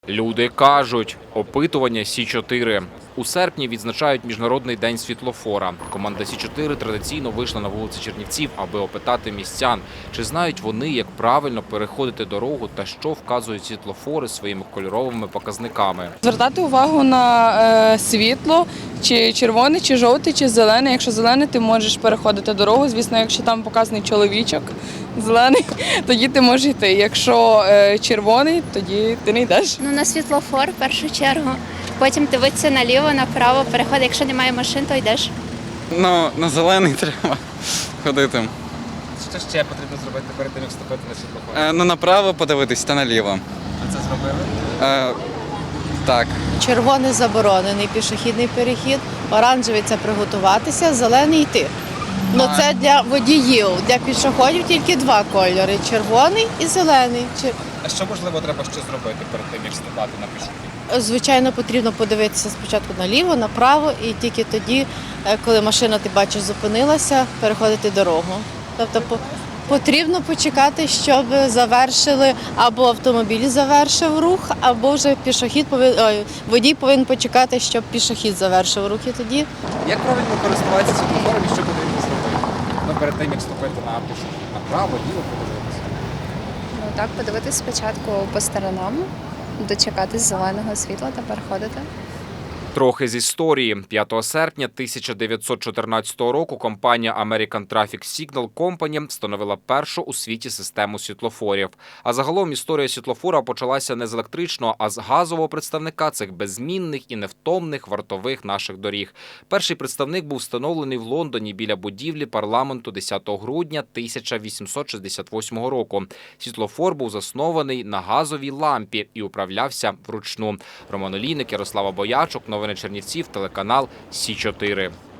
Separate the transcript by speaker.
Speaker 1: Люди кажуть, опитування Сі-4. У серпні відзначають Міжнародний день світлофора. Команда Сі-4 традиційно вийшла на вулиці Чернівців, аби опитати містян, чи знають вони, як правильно переходити дорогу та що вказують світлофори своїми кольоровими показниками.
Speaker 2: Звертати увагу на світло, чи червоне, чи жовте, чи зелене. Якщо зелене, ти можеш переходити дорогу. Звісно, якщо там показаний чоловічок зелений, тоді ти можеш йти. Якщо червоний, тоді ти не йдеш.
Speaker 3: На світлофор в першу чергу. Потім дивитися наліво, направо, переходи. Якщо немає машин, то йдеш.
Speaker 4: На зелений треба ходити.
Speaker 5: Що ще потрібно зробити перед тим, як вступити на світлофор?
Speaker 4: Направо подивитись та наліво.
Speaker 5: Ви це зробили?
Speaker 4: Так.
Speaker 6: Червоний заборонений пішохідний перехід, оранжевий це приготуватися, зелений йти. Це для водіїв, для пішоходів тільки два кольори – червоний і зелений.
Speaker 5: А що, можливо, треба ще зробити перед тим, як вступати на пішохід?
Speaker 6: Звичайно, потрібно подивитися спочатку наліво, направо і тільки тоді, коли машина, ти бачиш, зупинилася, переходити дорогу. Тобто потрібно почекати, щоб завершили, або автомобіль завершив рух, або вже водій повинен почекати, щоб пішохід завершив рух. І тоді
Speaker 5: Як правильно користуватися світлофором і що потрібно зробити? Перед тим, як вступити на пішохід. Направо, ліво подивитися.
Speaker 7: Так, подивитись спочатку по сторонам, дочекатись зеленого світла та переходити.
Speaker 1: Трохи з історії. 5 серпня 1914 року компанія American Traffic Signal Company встановила першу у світі систему світлофорів. А загалом історія світлофора почалася не з електричного, а з газового представника цих беззмінних і невтомних вартових наших доріг. Перший представник був встановлений в Лондоні біля будівлі парламенту 10 грудня 1868 року. Світлофор був заснований на газовій лампі і управлявся вручну. Роман Олійник, Ярослава Боячук, новини Чернівців, телеканал Сі-4.